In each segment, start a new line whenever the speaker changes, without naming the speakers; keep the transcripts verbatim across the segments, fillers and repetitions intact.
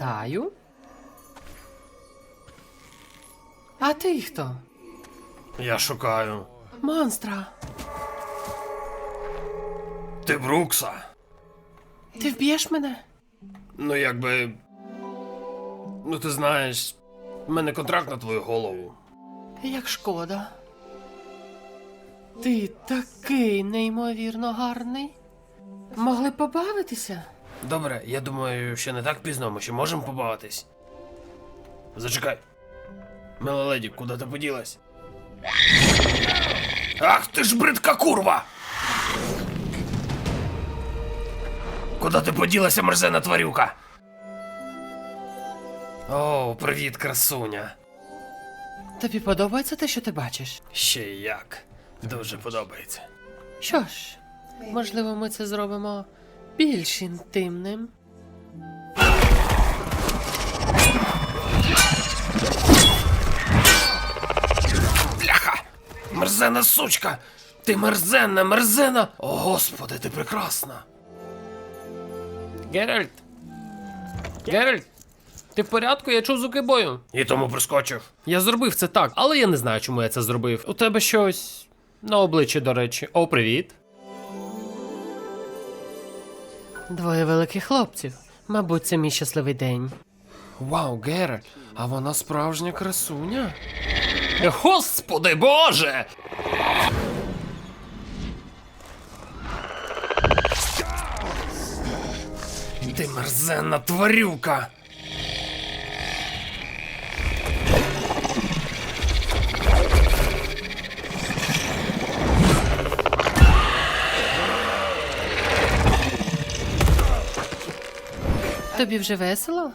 Вітаю. А ти хто?
Я шукаю.
Монстра.
Ти Брукса?
Ти вб'єш мене?
Ну якби. Ну ти знаєш, в мене контракт на твою голову.
Як шкода. Ти такий неймовірно гарний. Могли б побавитися?
Добре, я думаю, ще не так пізно, ми ще можемо побавитись. Зачекай. Мила леді, куди ти поділась? Ах ти ж бридка курва! Куди ти поділася, мерзена тварюка? О, привіт, красуня.
Тобі подобається те, що ти бачиш?
Ще й як. Дуже подобається.
Що ж, можливо, ми це зробимо більш інтимним.
Бляха! Мерзена сучка! Ти мерзенна, мерзена! О, господи, ти прекрасна!
Геральт! Геральт! Ти в порядку? Я чув звуки бою.
І тому прискочив.
Я зробив це так, але я не знаю, чому я це зробив. У тебе щось на обличчі, до речі. О, привіт. Двоє великих хлопців. Мабуть, це мій щасливий день.
Вау, Геральт, а вона справжня красуня?
Господи Боже!
Ти мерзенна тварюка!
Тобі вже весело?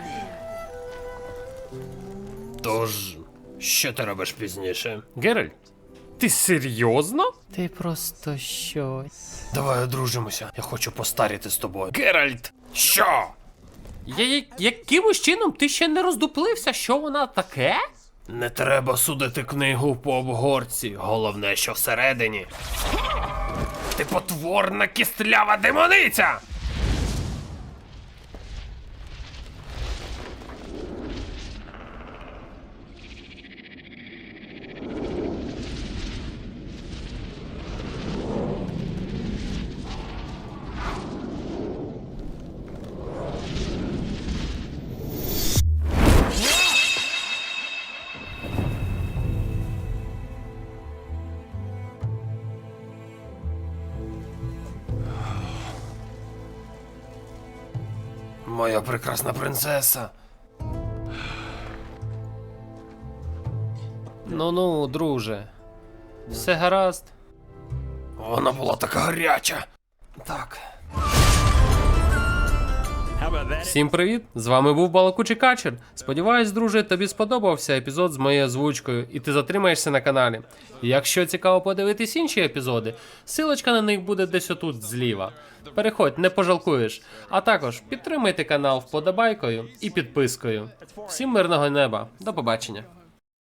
Тож, що ти робиш пізніше?
Геральт,
Ти серйозно?
ти просто щось.
Давай одружимося. Я хочу постаріти з тобою. Геральт! Що?
Я, я, якимось чином ти ще не роздуплився, що вона таке?
Не треба судити книгу по обгорці. Головне, що всередині. Ти потворна кістлява демониця! Моя прекрасна принцеса.
Ну-ну, друже. Все гаразд.
Вона була така гаряча. Так.
Всім привіт! З вами був Балакучий Качер. Сподіваюсь, друже, тобі сподобався епізод з моєю озвучкою, і ти затримаєшся на каналі. Якщо цікаво подивитись інші епізоди, силочка на них буде десь отут зліва. Переходь, не пожалкуєш. А також підтримайте канал вподобайкою і підпискою. Всім мирного неба. До побачення.